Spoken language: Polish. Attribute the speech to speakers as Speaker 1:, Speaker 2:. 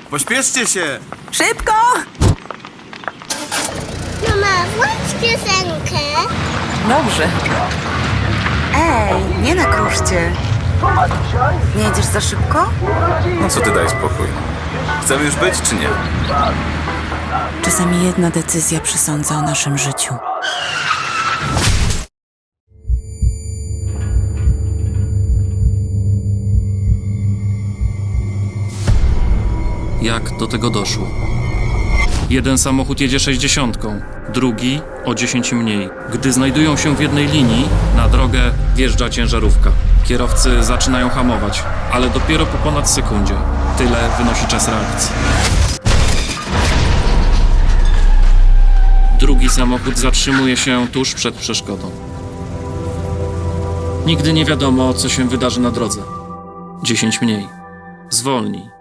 Speaker 1: Pośpieszcie się!
Speaker 2: Szybko!
Speaker 3: Mama, włącz piosenkę.
Speaker 2: Dobrze. Ej, nie na kruszcie. Nie jedziesz za szybko?
Speaker 1: No co ty, daj spokój. Chcemy już być, czy nie?
Speaker 2: Czasami jedna decyzja przesądza o naszym życiu.
Speaker 4: Jak do tego doszło? Jeden samochód jedzie 60, drugi o 10 mniej. Gdy znajdują się w jednej linii, na drogę wjeżdża ciężarówka. Kierowcy zaczynają hamować, ale dopiero po ponad sekundzie. Tyle wynosi czas reakcji. Drugi samochód zatrzymuje się tuż przed przeszkodą. Nigdy nie wiadomo, co się wydarzy na drodze. 10 mniej. Zwolnij.